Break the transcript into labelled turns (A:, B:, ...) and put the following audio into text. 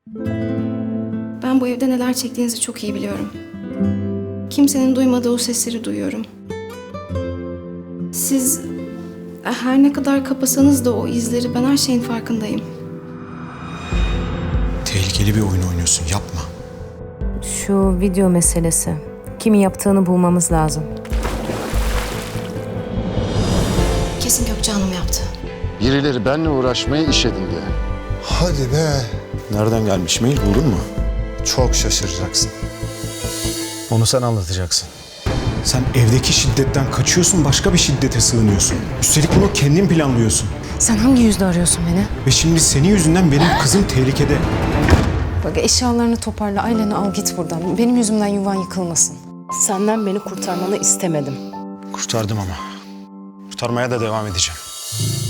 A: Ben bu evde neler çektiğinizi çok iyi biliyorum. Kimsenin duymadığı o sesleri duyuyorum. Siz her ne kadar kapasanız da o izleri, ben her şeyin farkındayım.
B: Tehlikeli bir oyun oynuyorsun, yapma.
C: Şu video meselesi. Kimin yaptığını bulmamız lazım.
A: Kesin Gökçe Hanım yaptı.
D: Birileri benimle uğraşmaya iş edindi.
E: Hadi be.
B: Nereden gelmiş, mail buldun mu?
E: Çok şaşıracaksın.
B: Onu sen anlatacaksın. Sen evdeki şiddetten kaçıyorsun, başka bir şiddete sığınıyorsun. Üstelik bunu kendin planlıyorsun.
C: Sen hangi yüzle arıyorsun beni?
B: Ve şimdi senin yüzünden benim kızım tehlikede.
C: Bak eşyalarını toparla, aileni al git buradan. Benim yüzümden yuvan yıkılmasın. Senden beni kurtarmanı istemedim.
B: Kurtardım ama. Kurtarmaya da devam edeceğim.